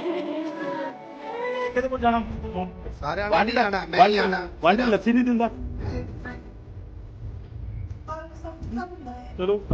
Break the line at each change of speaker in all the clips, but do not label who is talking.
ਕਿਹਦੇ ਕੋਲ ਜਾਣਾ
ਸਾਰਿਆਂ ਨੇ ਨਹੀਂ ਜਾਣਾ, ਮੈਂ ਹੀ ਆਣਾ।
ਵਾਂਢੇ ਲੱਸੀ ਨਹੀਂ ਦਿੰਦਾ। ਚਲੋ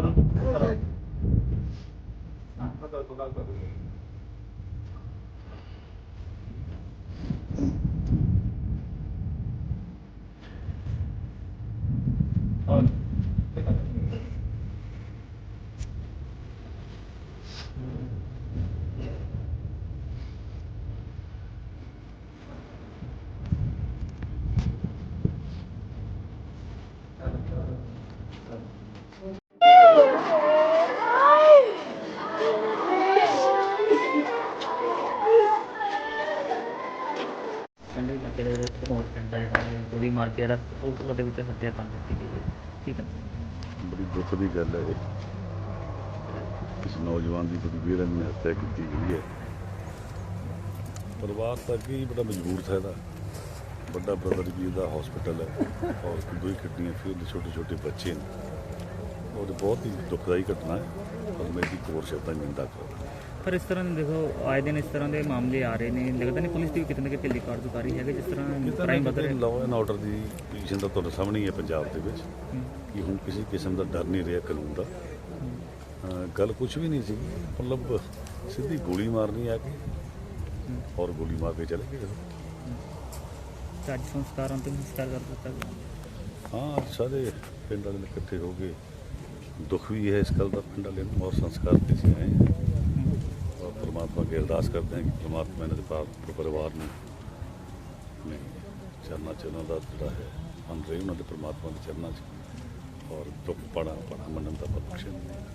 ਪਿੰਡ ਇਲਾਕੇ ਦੇ ਬਹੁਤ ਪਿੰਡ ਹੈ ਗੋਲੀ ਮਾਰ ਕੇ ਉਹਦੇ ਵਿੱਚ ਹੱਤਿਆ ਕਰ ਦਿੱਤੀ ਗਈ ਹੈ। ਠੀਕ ਹੈ,
ਬੜੀ ਦੁੱਖ ਦੀ ਗੱਲ ਹੈ ਇਹ। ਇਸ ਨੌਜਵਾਨ ਦੀ ਬੜੀ ਬੇਰਹਿਮੀ ਨਾਲ ਹੱਤਿਆ ਕੀਤੀ ਗਈ ਹੈ। ਪਰਿਵਾਰ ਤਾਂ ਅੱਗੇ ਹੀ ਬੜਾ ਮਜਬੂਰ ਥਾ ਇਹਦਾ। ਵੱਡਾ ਬ੍ਰਦਰ ਵੀ ਇਹਦਾ ਹਸਪੀਟਲ ਹੈ ਔਰ ਦੋ ਹੀ ਕਿਡਨੀਆਂ ਫਿਰ ਉਹਦੇ ਛੋਟੇ ਛੋਟੇ ਬੱਚੇ ਨੇ। ਔਰ ਬਹੁਤ ਹੀ ਦੁਖਦਾਈ ਘਟਨਾ ਹੈ ਔਰ ਮੈਂ ਇਹਦੀ ਕੋਰ ਸ਼ਬਦਾਂ ਨਿੰਦਾ ਕਰਦਾ।
ਪਰ ਇਸ ਤਰ੍ਹਾਂ ਦੇਖੋ ਆਏ ਦਿਨ ਇਸ ਤਰ੍ਹਾਂ ਦੇ ਮਾਮਲੇ ਆ ਰਹੇ ਨੇ, ਲੱਗਦਾ ਨਹੀਂ ਪੁਲਿਸ ਦੀ ਕਿਤੇ ਨਾ ਕਿਤੇ ਕਾਰਜਕਾਰੀ ਹੈਗੀ ਜਿਸ ਤਰ੍ਹਾਂ ਕ੍ਰਾਈਮ ਵੱਧ ਰਿਹਾ।
ਲਾਅ ਐਂਡ ਆਰਡਰ ਦੀ ਪੋਜੀਸ਼ਨ ਤਾਂ ਤੁਹਾਡੇ ਸਾਹਮਣੇ ਹੀ ਹੈ ਪੰਜਾਬ ਦੇ ਵਿੱਚ ਕਿ ਹੁਣ ਕਿਸੇ ਕਿਸਮ ਦਾ ਡਰ ਨਹੀਂ ਰਿਹਾ ਕਾਨੂੰਨ ਦਾ। ਗੱਲ ਕੁਛ ਵੀ ਨਹੀਂ ਸੀ, ਮਤਲਬ ਸਿੱਧੀ ਗੋਲੀ ਮਾਰਨੀ ਆ ਕੇ ਔਰ ਗੋਲੀ ਮਾਰ ਕੇ ਚਲੇ ਗਏ।
ਅੱਜ ਸੰਸਕਾਰ ਅੰਤਿਮ ਸੰਸਕਾਰ ਕਰ ਦਿੱਤਾ ਗਿਆ।
ਹਾਂ, ਸਾਰੇ ਪਿੰਡ ਵਾਲੇ ਇਕੱਠੇ ਹੋ ਕੇ ਦੁੱਖ ਵੀ ਹੈ ਇਸ ਗੱਲ ਦਾ ਪਿੰਡ ਵਾਲੇ ਨੂੰ ਔਰ ਸੰਸਕਾਰ ਤੇ ਸੀ ਆਏ ਔਰ ਪਰਮਾਤਮਾ ਅੱਗੇ ਅਰਦਾਸ ਕਰਦੇ ਹਾਂ ਕਿ ਪਰਮਾਤਮਾ ਇਹਨਾਂ ਦੇ ਪਰਿਵਾਰ ਨੂੰ ਆਪਣੇ ਚਰਨਾਂ 'ਚ ਉਹਨਾਂ ਦਾ ਜਿਹੜਾ ਹੈ ਅੰਨ ਰਹੇ ਉਹਨਾਂ ਦੇ ਪਰਮਾਤਮਾ ਦੇ ਚਰਨਾਂ 'ਚ ਔਰ ਦੁੱਖ ਪਾਣਾ ਮੰਨਣ ਦਾ ਬਖਸ਼ਣ।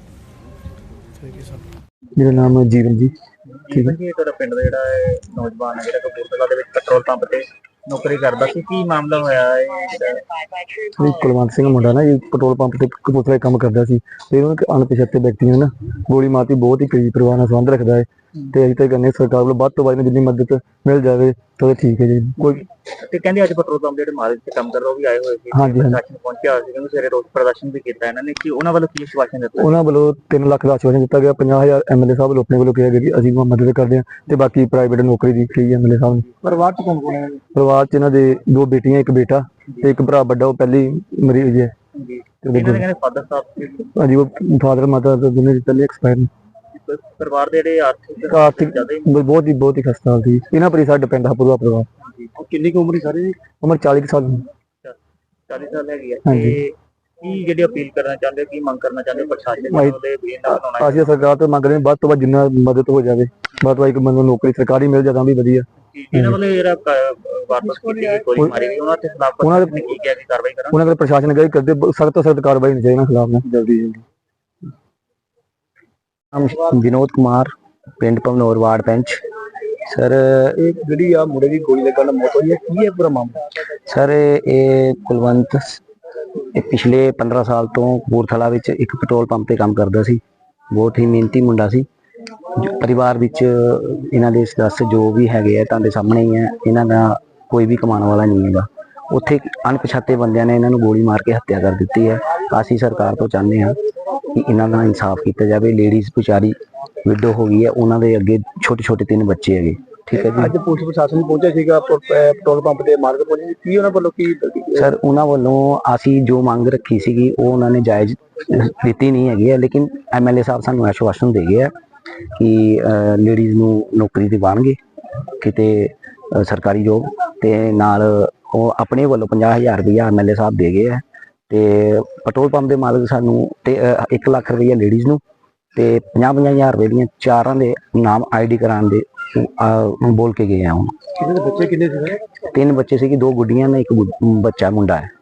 ਮੇਰਾ ਨਾਮ ਜੀਵਨ ਜੀ।
ਠੀਕ ਹੈ ਜੀ, ਤੁਹਾਡਾ ਪਿੰਡ ਦਾ ਜਿਹੜਾ ਨੌਜਵਾਨ ਹੈ ਜਿਹੜਾ ਕਪੂਰਥਲਾ ਦੇ ਵਿੱਚ ਪੈਟਰੋਲ ਪੰਪ ਤੇ ਨੌਕਰੀ ਕਰਦਾ ਸੀ, ਕੀ ਮਾਮਲਾ ਹੋਇਆ ਹੈ?
ਕੁਲਵੰਤ ਸਿੰਘ ਮੁੰਡਾ ਨਾ ਜੀ ਪੈਟਰੋਲ ਪੰਪ ਤੇ ਕਪੂਰਥਲੇ ਕੰਮ ਕਰਦਾ ਸੀ ਤੇ ਉਹਨੂੰ ਇੱਕ ਅਣਪਛਾਤੇ ਵਿਅਕਤੀ ਨੇ ਨਾ ਗੋਲੀ ਮਾਰਤੀ। ਬਹੁਤ ਹੀ ਕਰੀਬ ਪਰਿਵਾਰ ਨਾਲ ਸੰਬੰਧ ਰੱਖਦਾ ਹੈ ਤੇ ਅਸੀਂ ਤਾਂ ਕਹਿੰਦੇ ਸਰਕਾਰ ਵੱਲੋਂ ਵੱਧ ਤੋਂ ਵੱਧ ਜਿੰਨੀ ਮਦਦ ਮਿਲ ਜਾਵੇ ਤਾਂ ਠੀਕ ਹੈ ਜੀ। ਕੋਈ
ਤੇ ਕਹਿੰਦੇ ਅੱਜ ਪੈਟਰੋਲ ਪੰਪ ਜਿਹੜੇ ਮਾਲਕ ਤੇ ਕੰਮ ਕਰਦਾ ਉਹ ਵੀ ਆਏ ਹੋਏ ਸੀ,
ਹਾਂਜੀ
ਪ੍ਰਸ਼ਾਸਨ ਪਹੁੰਚਿਆ ਹੋਇਆ ਸੀ, ਕਹਿੰਦੇ ਸਵੇਰੇ ਰੋਸ ਪ੍ਰਦਰਸ਼ਨ ਵੀ ਕੀਤਾ ਇਹਨਾਂ ਨੇ। ਕਿ ਉਹਨਾਂ ਵੱਲੋਂ ਕੀ ਆਸ਼ਵਾਸਨ ਦਿੱਤਾ?
ਉਹਨਾਂ ਵੱਲੋਂ 3 ਲੱਖ ਦਾ ਆਸ਼ਵਾਸਨ ਦਿੱਤਾ ਗਿਆ। 50,000 ਐਮਐਲਏ ਸਾਹਿਬ ਵੱਲੋਂ ਆਪਣੇ ਵੱਲੋਂ ਕਿਹਾ ਗਿਆ ਕਿ ਅਸੀਂ ਮਦਦ ਕਰਦੇ ਹਾਂ ਤੇ ਬਾਕੀ ਪ੍ਰਾਈਵੇਟ ਨੌਕਰੀ ਦੀ ਕਹੀ ਐਮਐਲਏ ਸਾਹਿਬ ਨੇ।
ਪਰਿਵਾਰ ਚ ਕੌਣ ਕੌਣ ਹੈ?
ਪਰਿਵਾਰ ਚ ਇਹਨਾਂ ਦੇ 2 ਬੇਟੀਆਂ, 1 ਬੇਟਾ ਤੇ 1 ਭਰਾ ਵੱਡਾ, ਉਹ ਪਹਿਲੀ ਮਰੀਜ਼ ਹੈ।
ਇਹਨਾਂ ਦੇ ਕਹਿੰਦੇ ਫਾਦਰ ਸਾਹਿਬ
ਹਾਂਜੀ, ਉਹ ਫਾਦਰ ਮਾਤਾ ਦੋਨੇ ਪਹਿਲੇ ਐਕਸਪਾਇਰ ਨੇ।
ਪਰਿਵਾਰ ਦੇ ਜਿਹੜੇ
ਆਰਥਿਕ ਬਹੁਤ ਹੀ ਖਸਤਾ ਸੀ। ਇਹਨਾਂ ਪਰ ਹੀ ਸਾਡਾ ਪਿੰਡ ਦਾ ਪੂਰਾ ਪਰਿਵਾਰ।
ਕਿੰਨੀ ਕੁ ਉਮਰ ਹੈ ਸਾਰੀ?
ਉਮਰ 40 ਸਾਲ।
40 ਸਾਲ ਹੈਗੀ ਹੈ। ਤੇ ਕੀ ਜਿਹੜੀ ਅਪੀਲ ਕਰਨਾ ਚਾਹੁੰਦੇ, ਕੀ ਮੰਗ ਕਰਨਾ ਚਾਹੁੰਦੇ ਪ੍ਰਸ਼ਾਸਨ ਨੂੰ?
ਅਸੀਂ ਸਰਕਾਰ ਤੋਂ ਮੰਗ ਰਹੇ ਹਾਂ ਵੱਧ ਤੋਂ ਵੱਧ ਜਿੰਨਾ ਮਦਦ ਹੋ ਜਾਵੇ, ਵੱਧ ਤੋਂ ਵੱਧ ਇੱਕ ਬੰਦੇ ਨੂੰ ਨੌਕਰੀ ਸਰਕਾਰੀ ਮਿਲ ਜਾਵੇ ਤਾਂ ਵੀ ਵਧੀਆ।
ਇਹਨਾਂ ਵੱਲੋਂ ਜਿਹੜਾ ਵਾਪਸ ਕੀਤੀ ਗਈ ਗੋਲੀ ਮਾਰੀ ਗਈ, ਉਹਨਾਂ ਤੇ ਖਿਲਾਫ ਨੇ ਕੀ ਕਿਹਾ ਕਿ ਕਾਰਵਾਈ ਕਰਾਂ?
ਉਹਨਾਂ ਦੇ ਪ੍ਰਸ਼ਾਸਨ ਨੇ ਕਰਦੇ ਸਖਤ ਤੋਂ ਸਖਤ ਕਾਰਵਾਈ ਹੋਣੀ ਚਾਹੀਦੀ ਇਹਨਾਂ ਖਿਲਾਫ ਜਲਦੀ।
ਵਿਨੋਦ ਕੁਮਾਰ, ਪਿੰਡ ਭਵਨੌਰ, ਵਾਰਡ ਪੈਂਚ। ਸਰ,
ਇਹ ਜਿਹੜੀ ਆ ਮੁੰਡੇ ਦੀ ਗੋਲੀ ਲੱਗਣ ਨਾਲ ਮੌਤ ਹੋਈ ਹੈ, ਕੀ ਹੈ ਪੂਰਾ ਮਾਮਲਾ?
ਸਰ ਇਹ ਕੁਲਵੰਤ ਇਹ ਪਿਛਲੇ 15 ਸਾਲ ਤੋਂ ਕਪੂਰਥਲਾ ਵਿੱਚ ਇੱਕ ਪੈਟਰੋਲ ਪੰਪ ਤੇ ਕੰਮ ਕਰਦਾ ਸੀ। ਬਹੁਤ ਹੀ ਮਿਹਨਤੀ ਮੁੰਡਾ ਸੀ। ਪਰਿਵਾਰ ਵਿੱਚ ਇਹਨਾਂ ਦੇ ਸਦੱਸ ਜੋ ਵੀ ਹੈਗੇ ਆ ਤੁਹਾਡੇ ਸਾਹਮਣੇ ਹੀ ਹੈ। ਇਹਨਾਂ ਦਾ ਕੋਈ ਵੀ ਕਮਾਉਣ ਵਾਲਾ ਨਹੀਂ ਹੈਗਾ। ਉੱਥੇ ਅਣਪਛਾਤੇ ਬੰਦਿਆਂ ਨੇ ਇਹਨਾਂ ਨੂੰ ਗੋਲੀ ਮਾਰ ਕੇ ਹੱਤਿਆ ਕਰ ਦਿੱਤੀ ਹੈ। ਅਸੀਂ ਸਰਕਾਰ ਤੋਂ ਚਾਹੁੰਦੇ ਹਾਂ ਕਿ ਇਹਨਾਂ ਦਾ ਇਨਸਾਫ ਕੀਤਾ ਜਾਵੇ। ਲੇਡੀਜ਼ ਵਿਚਾਰੀ ਵਿਡੋ ਹੋ ਗਈ ਹੈ, ਉਹਨਾਂ ਦੇ ਅੱਗੇ ਛੋਟੇ ਛੋਟੇ 3 ਬੱਚੇ ਹੈਗੇ। ਠੀਕ ਹੈ ਜੀ।
ਅੱਜ ਪੁਲਿਸ ਪ੍ਰਸ਼ਾਸਨ ਪਹੁੰਚਿਆ ਸੀਗਾ ਪੈਟਰੋਲ ਪੰਪ ਤੇ ਮਾਲਕ ਪਹੁੰਚੇ, ਕੀ ਉਹਨਾਂ ਵੱਲੋਂ ਕੀ?
ਸਰ, ਉਹਨਾਂ ਵੱਲੋਂ ਅਸੀਂ ਜੋ ਮੰਗ ਰੱਖੀ ਸੀਗੀ ਉਹ ਉਹਨਾਂ ਨੇ ਜਾਇਜ਼ ਦਿੱਤੀ ਨਹੀਂ ਹੈਗੀ ਹੈ, ਲੇਕਿਨ ਐਮਐਲਏ ਸਾਹਿਬ ਸਾਨੂੰ ਆਸ਼ਵਾਸਨ ਦੇ ਗਏ ਆ ਕਿ ਲੇਡੀਜ਼ ਨੂੰ ਨੌਕਰੀ ਦਿਵਾਉਣਗੇ ਕਿਤੇ ਸਰਕਾਰੀ ਜੋਬ, ਤੇ ਨਾਲ ਉਹ ਆਪਣੇ ਵੱਲੋਂ 50,000 ਰੁਪਇਆ ਐਮਐਲਏ ਸਾਹਿਬ ਦੇ ਗਏ ਆ। ਤੇ ਪੈਟਰੋਲ ਪੰਪ ਦੇ ਮਾਲਕ ਸਾਨੂੰ ਤੇ 1 ਲੱਖ ਰੁਪਇਆ ਲੇਡੀਜ਼ ਨੂੰ ਤੇ 50,000 ਰੁਪਏ ਦੀਆਂ 4 ਦੇ ਨਾਮ ਆਈਡੀ ਕਰਾਉਣ ਦੇ ਬੋਲ ਕੇ ਗਏ ਆ। ਹੁਣ
ਬੱਚੇ ਕਿੰਨੇ ਸੀ?
3 ਬੱਚੇ ਸੀ, 2 ਗੁੱਡੀਆਂ ਨੇ, 1 ਬੱਚਾ ਮੁੰਡਾ ਹੈ।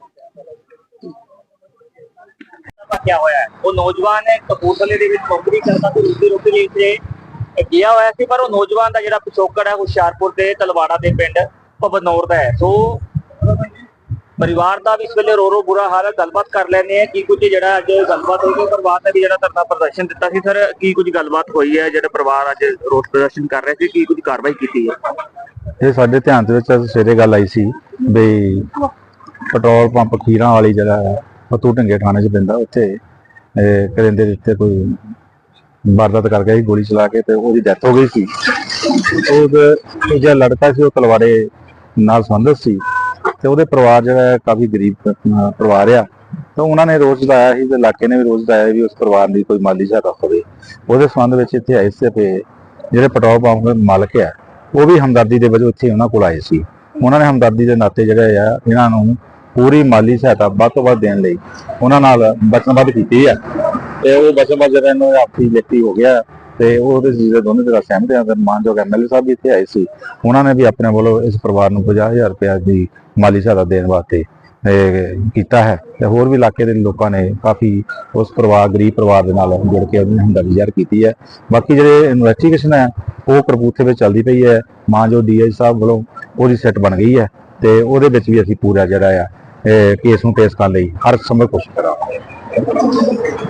क्या होया है? वो नौजवान है कपूरथले ਦੇ ਵਿੱਚ ਨੌਕਰੀ ਕਰਦਾ ਤੇ ਰੋਟੀ ਰੋਟੀ ਲਈ ਇੱਥੇ ਗਿਆ ਹੋਇਆ ਸੀ, ਪਰ ਉਹ ਨੌਜਵਾਨ ਦਾ ਜਿਹੜਾ ਪਿਛੋਕੜ ਹੈ ਹੁਸ਼ਿਆਰਪੁਰ ਦੇ ਤਲਵਾੜਾ ਦੇ ਪਿੰਡ ਭਵਨੌਰ ਦਾ ਹੈ। ਸੋ ਪਰਿਵਾਰ ਦਾ ਵੀ ਇਸ ਵੇਲੇ ਰੋ ਬੁਰਾ ਹਾਲ ਹੈ। ਗੱਲਬਾਤ ਕਰ ਲੈਂਦੇ ਆ ਕੀ ਕੁਝ ਜਿਹੜਾ ਅੱਜ ਗੱਲਬਾਤ ਹੋਈ। ਪਰਿਵਾਰ ਨੇ ਵੀ ਜਿਹੜਾ ਧਰਨਾ ਪ੍ਰਦਰਸ਼ਨ ਦਿੱਤਾ ਸੀ, ਸਰ ਕੀ ਕੁਝ ਗੱਲਬਾਤ ਹੋਈ ਹੈ? ਜਿਹੜਾ ਪਰਿਵਾਰ ਅੱਜ ਰੋਸ ਪ੍ਰਦਰਸ਼ਨ ਕਰ ਰਿਹਾ ਸੀ, ਕੀ ਕੁਝ ਕਾਰਵਾਈ ਕੀਤੀ ਹੈ?
ਇਹ ਸਾਡੇ ਧਿਆਨ ਦੇ ਵਿੱਚ ਸਵੇਰੇ ਗੱਲ ਆਈ ਸੀ ਵੀ ਪੈਟਰੋਲ ਪੰਪ ਖੀਰਾਂ ਵਾਲੀ ਜਿਹੜਾ ਫਤੂ ਢੰਗੇ ਥਾਣੇ 'ਚ ਪੈਂਦਾ, ਉੱਥੇ ਕਰਿੰਦੇ ਦੇ ਉੱਤੇ ਕੋਈ ਵਾਰਦਾਤ ਕਰ ਗਿਆ ਸੀ ਗੋਲੀ ਚਲਾ ਕੇ, ਤੇ ਉਹਦੀ ਡੈਥ ਹੋ ਗਈ ਸੀ। ਉਹ ਜਿਹੜਾ ਲੜਕਾ ਸੀ ਉਹ ਤਲਵਾੜੇ ਨਾਲ ਸੰਬੰਧਿਤ ਸੀ, ਤੇ ਉਹਦੇ ਪਰਿਵਾਰ ਜਿਹੜਾ ਹੈ ਕਾਫੀ ਗਰੀਬ ਪਰਿਵਾਰ ਆ, ਤਾਂ ਉਹਨਾਂ ਨੇ ਰੋਜ਼ ਲਾਇਆ ਸੀ ਤੇ ਇਲਾਕੇ ਨੇ ਵੀ ਰੋਜ਼ ਲਾਇਆ ਵੀ ਉਸ ਪਰਿਵਾਰ ਦੀ ਕੋਈ ਮਾਲੀ ਸਹਾਇਤਾ ਹੋਵੇ। ਉਹਦੇ ਸੰਬੰਧ ਵਿੱਚ ਇੱਥੇ ਆਏ ਸੀ ਤੇ ਜਿਹੜੇ ਪੈਟਰੋਲ ਪੰਪ ਦੇ ਮਾਲਕ ਆ ਉਹ ਵੀ ਹਮਦਰਦੀ ਦੇ ਵਜੋਂ ਇੱਥੇ ਉਹਨਾਂ ਕੋਲ ਆਏ ਸੀ। ਉਹਨਾਂ ਨੇ ਹਮਦਰਦੀ ਦੇ ਨਾਤੇ ਜਿਹੜੇ ਆ ਇਹਨਾਂ ਨੂੰ ਪੂਰੀ ਮਾਲੀ ਸਹਾਇਤਾ ਵੱਧ ਤੋਂ ਵੱਧ ਦੇਣ ਲਈ ਉਹਨਾਂ ਨਾਲ ਵਚਨਬੱਧ ਕੀਤੀ ਆ, ਤੇ ਉਹ ਵਚਨਬੱਧ ਜਿਹੜਾ ਇਹਨਾਂ ਦਾ ਆਪਸੀ ਲਿਖਤੀ ਹੋ ਗਿਆ, ਤੇ ਉਹਦੇ ਜਿਹੜੇ ਦੋਨੇ ਤਰ੍ਹਾਂ ਸਹਿਮਤ ਆ। ਤੇ ਮਾਨਯੋਗ ਐਮਐਲਏ ਸਾਹਿਬ ਵੀ ਇੱਥੇ ਆਏ ਸੀ, ਉਹਨਾਂ ਨੇ ਵੀ ਆਪਣੇ ਵੱਲੋਂ ਇਸ ਪਰਿਵਾਰ ਨੂੰ 50,000 ਰੁਪਏ ਦੀ ਮਾਲੀ ਸਹਾਇਤਾ ਦੇਣ ਵਾਸਤੇ ਕੀਤਾ ਹੈ, ਤੇ ਹੋਰ ਵੀ ਇਲਾਕੇ ਦੇ ਲੋਕਾਂ ਨੇ ਕਾਫੀ ਉਸ ਪਰਿਵਾਰ ਗਰੀਬ ਪਰਿਵਾਰ ਦੇ ਨਾਲ ਜੁੜ ਕੇ ਉਹਦੀ ਹਮਦਰਦੀ ਜ਼ਾਹਿਰ ਕੀਤੀ ਹੈ। ਬਾਕੀ ਜਿਹੜੇ ਇਨਵੈਸਟੀਗੇਸ਼ਨ ਹੈ ਉਹ ਕਪੂਰਥਲੇ ਵਿੱਚ ਚੱਲਦੀ ਪਈ ਹੈ। ਮਾਨਯੋਗ ਡੀਆਈ ਸਾਹਿਬ ਵੱਲੋਂ ਉਹਦੀ ਸੈੱਟ ਬਣ ਗਈ ਹੈ, ਤੇ ਉਹਦੇ ਵਿੱਚ ਵੀ ਅਸੀਂ ਪੂਰਾ ਜਿਹੜਾ ਆ ਕੇਸ ਨੂੰ ਪੇਸ਼ ਕਰਨ ਲਈ ਹਰ ਸੰਭਵ ਕੋਸ਼ਿਸ਼ ਕਰਾਂਗੇ।